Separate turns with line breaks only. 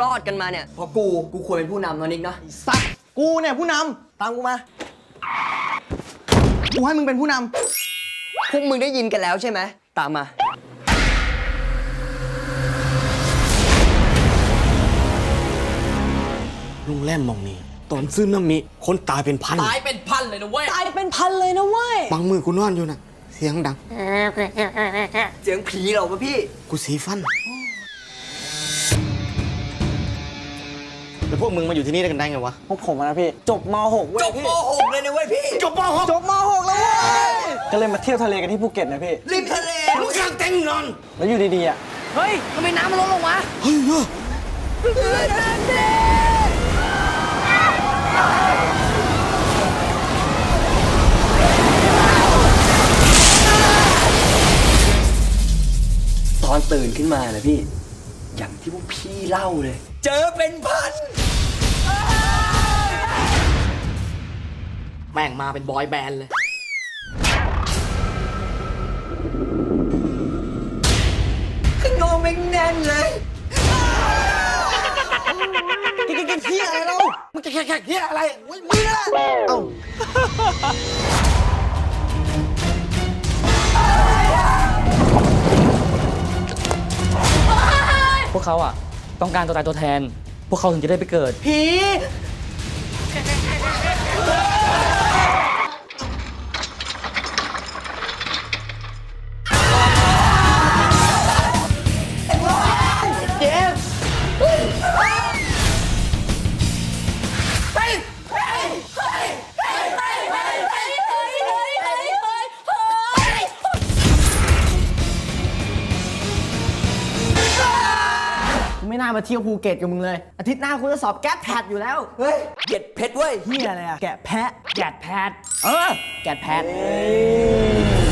รอดกันมาเนี่ยเพราะกูควรเป็นผู้นำนะนิกนะ
สัตว์กูเนี่ยผู้นำตามกูมากูให้มึงเป็นผู้น
พวกมึงได้ยินกันแล้วใช่ไหมตามมา
ลุงแรมมองนี่ตอนซื้อน้ำมิคนตายเป็นพัน
ตายเป็นพันเลยนะเว้ย
ตายเป็นพันเลยนะเว้ย
บางมือกูนอนอยู่น่ะเสียงดัง
เสียงผีเหรอวะพี่
กูสีฟันแล้วพวกมึงมาอยู่ที่นี่ได้กันได้ไงวะ
พวกผมนะพี่จบม .6 เว้ย
จบม .6 เลยนะเว้ยพี่
จบม .6
จบม .6 แล้วเว้ยก็เลยมาเที่ยวทะเลกันที่ภูเก็ตนะพี่
ริมทะเล
มึงกลางเต็งนอน
แล้วอยู่ดีๆอ่ะ
เฮ้ยทำไมน้ำมันลดลงวะ
เฮ้ย
ตอนตื่นขึ้นมานะพี่อย่างที่พวกพี่เล่าเลยเจอเป็นพัน
แม่งมาเป็นบอยแบนด์เลย
ขึ้นโงแม่งแน่นเลย
กินเที่ยอะไรเรามึงจะแขกเที่ยอะไรมึงน่ะเอ้า
พวกเขาอ่ะต้องการตัวตายตัวแทนพวกเขาถึงจะได้ไปเกิด
ผีไม่น่ามาเที่ยวภูเก็ตกับมึงเลยอาทิตย์หน้ากูจะสอบแก๊สแพดอยู่แล้ว
เฮ้ยเก็ดเพชรเว้ย
เฮียอะไรอะแกะแพะ
แกดแพด
แกะแพะ